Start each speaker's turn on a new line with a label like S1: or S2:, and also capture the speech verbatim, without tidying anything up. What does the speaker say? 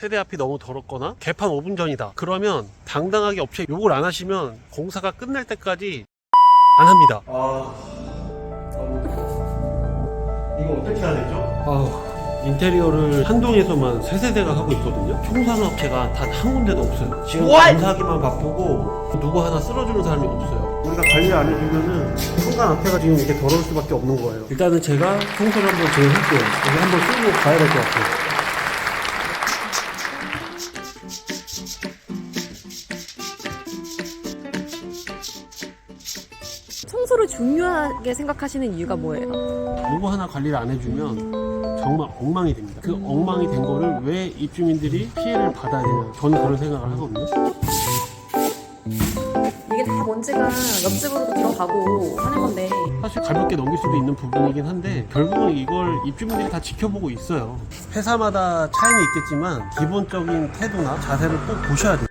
S1: 세대 앞이 너무 더럽거나 개판 오 분 전이다 그러면 당당하게 업체 욕을 안 하시면 공사가 끝날 때까지 안 합니다. 아... 이거 어떻게 해야 되죠? 아... 인테리어를 한동에서만 세 세대가 하고 있거든요. 총사는 업체가 단 한 군데도 없어요. 지금 공사하기만 바쁘고 누구 하나 쓸어주는 사람이 없어요. 우리가 관리 안 해주면은 현관 앞에가 지금 이렇게 더러울 수밖에 없는 거예요. 일단은 제가 청소를 한번 제가 할게요. 여기 한번 쓰고 가야 될 것 같아요.
S2: 청소를 중요하게 생각하시는 이유가 뭐예요?
S1: 누구 하나 관리를 안 해주면 정말 엉망이 됩니다. 그 엉망이 된 거를 왜 입주민들이 피해를 받아야 되냐, 저는 그런 생각을 하거든요.
S2: 이게 다 먼지가 옆집으로도 들어가고 하는 건데
S1: 사실 가볍게 넘길 수도 있는 부분이긴 한데 결국은 이걸 입주민들이 다 지켜보고 있어요. 회사마다 차이는 있겠지만 기본적인 태도나 자세를 꼭 보셔야 돼요.